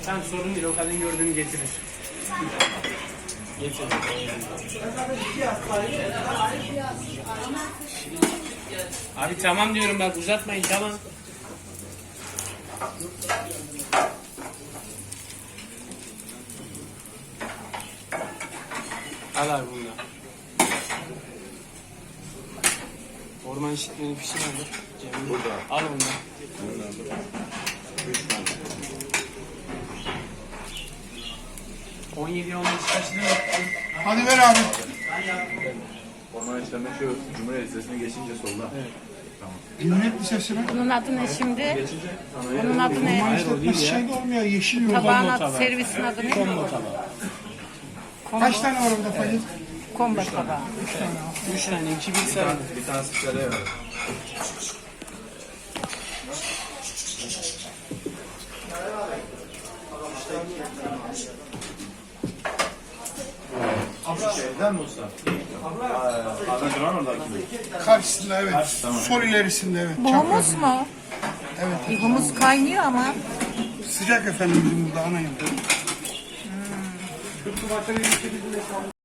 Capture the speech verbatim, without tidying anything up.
Tamam sorun değil, o kadın gördüğünü getirir. Getirir. Abi tamam diyorum bak, uzatmayın, tamam. Al abi bunu da. Orman işitmeni pişir abi. Cemil. Burada. Al onu da. Bunlar burada. Üç tane. on yedi on beş kaçını mı? Hadi ver abi. Orman işlemi şu Cumhuriyet Lisesi'ne geçince solda. Evet. Tamam. Cumhuriyet Lisesi mi? Bunun adı ne şimdi? Geçince sanayi. Bunun adı Orman ne? Hayır, o değil işletmesi ya. şey de olmuyor. Yeşil yol. Tabağın Kombo adı, tabağı. servisin adı ne? Kombo tabağı. Kaç tane var orada Fadil? Kombo tabağı. Üç tane, iki bir Bir sarı. tane, bir tanesi şöyle var. Şeyden mi usta? Abi duran oradaki mi? Karşısında evet. Tamam. Sol ilerisinde evet. Bu humus mu? Evet. Humus kaynıyor ama. Sıcak efendim bizim burada ana yemek.